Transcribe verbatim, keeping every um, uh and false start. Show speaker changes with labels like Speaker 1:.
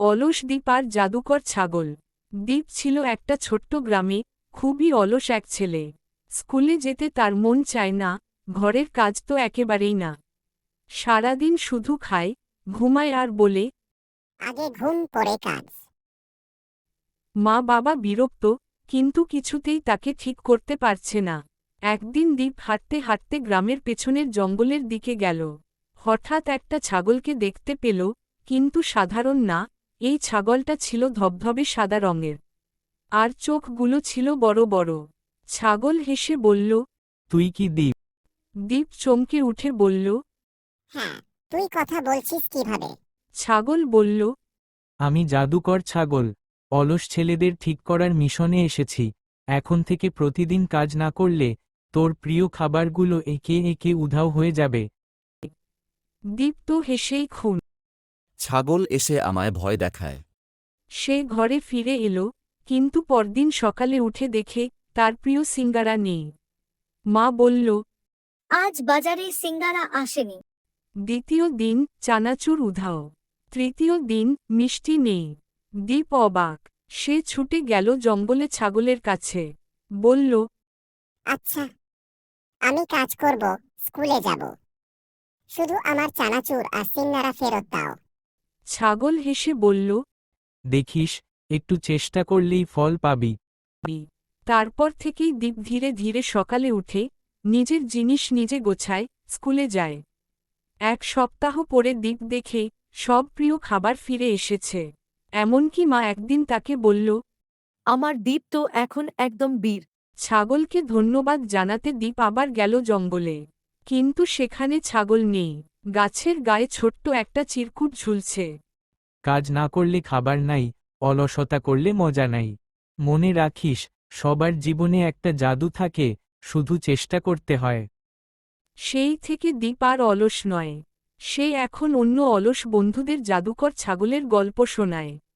Speaker 1: অলস দ্বীপ আর জাদুকর ছাগল। দ্বীপ ছিল একটা ছোট্ট গ্রামে, খুবই অলস এক ছেলে। স্কুলে যেতে তার মন চায় না, ঘরের কাজ তো একেবারেই না। সারাদিন শুধু খায়, ঘুমায় আর বলে,
Speaker 2: আগে ঘুম পরে কাজ।
Speaker 1: মা বাবা বিরক্ত, কিন্তু কিছুতেই তাকে ঠিক করতে পারছে না। একদিন দ্বীপ হাঁটতে হাঁটতে গ্রামের পেছনের জঙ্গলের দিকে গেল। হঠাৎ একটা ছাগলকে দেখতে পেল, কিন্তু সাধারণ না, এই ছাগলটা ছিল ধবধবে সাদা রঙের। আর চোখগুলো ছিল বড় বড়। ছাগল হেসে বলল।
Speaker 3: তুই কি দ্বীপ?
Speaker 1: দ্বীপ চমকে উঠে বলল।
Speaker 2: হ্যাঁ, তুই কথা বলছিস কিভাবে?
Speaker 1: ছাগল বলল।
Speaker 3: আমি জাদুকর ছাগল, অলস ছেলেদের ঠিক করার মিশনে এসেছি। এখন থেকে প্রতিদিন কাজ না করলে তোর প্রিয় খাবারগুলো একে একে উধাও হয়ে যাবে।
Speaker 1: দ্বীপ তো হেসেই খুন।
Speaker 4: ছাগল এসে আমায় ভয় দেখায়।
Speaker 1: সে ঘরে ফিরে এলো, কিন্তু পরদিন সকালে উঠে দেখে তার প্রিয় সিঙ্গারা নেই। মা বলল।
Speaker 5: আজ বাজারে সিঙ্গারা আসেনি।
Speaker 1: দ্বিতীয় দিন চানাচুর উধাও। তৃতীয় দিন মিষ্টি নেই। দ্বীপ অবাক। সে ছুটে গেল জঙ্গলে ছাগলের কাছে। বলল।
Speaker 2: আচ্ছা, আমি কাজ করব, স্কুলে যাব। শুধু আমার চানাচুর আর সিঙ্গারা ফেরত দাও।
Speaker 1: ছাগল হেসে বলল।
Speaker 3: দেখিস, একটু চেষ্টা করলেই ফল পাবি।
Speaker 1: তারপর থেকেই দ্বীপ ধীরে ধীরে সকালে উঠে নিজের জিনিস নিজে গোছায়, স্কুলে যায়। এক সপ্তাহ পরে দ্বীপ দেখে সব প্রিয় খাবার ফিরে এসেছে। এমনকি মা একদিন তাকে বলল।
Speaker 6: আমার দ্বীপ তো এখন একদম বীর।
Speaker 1: ছাগলকে ধন্যবাদ জানাতে দ্বীপ আবার গেল জঙ্গলে। কিন্তু সেখানে ছাগল নেই। গাছের গায়ে ছোট্ট একটা চিরকুট ঝুলছে।
Speaker 3: কাজ না করলে খাবার নাই, অলসতা করলে মজা নাই। মনে রাখিস, সবার জীবনে একটা জাদু থাকে, শুধু চেষ্টা করতে হয়।
Speaker 1: সেই থেকে দ্বীপ আর অলস নয়। সে এখন অন্য অলস বন্ধুদের জাদুকর ছাগলের গল্প শোনায়।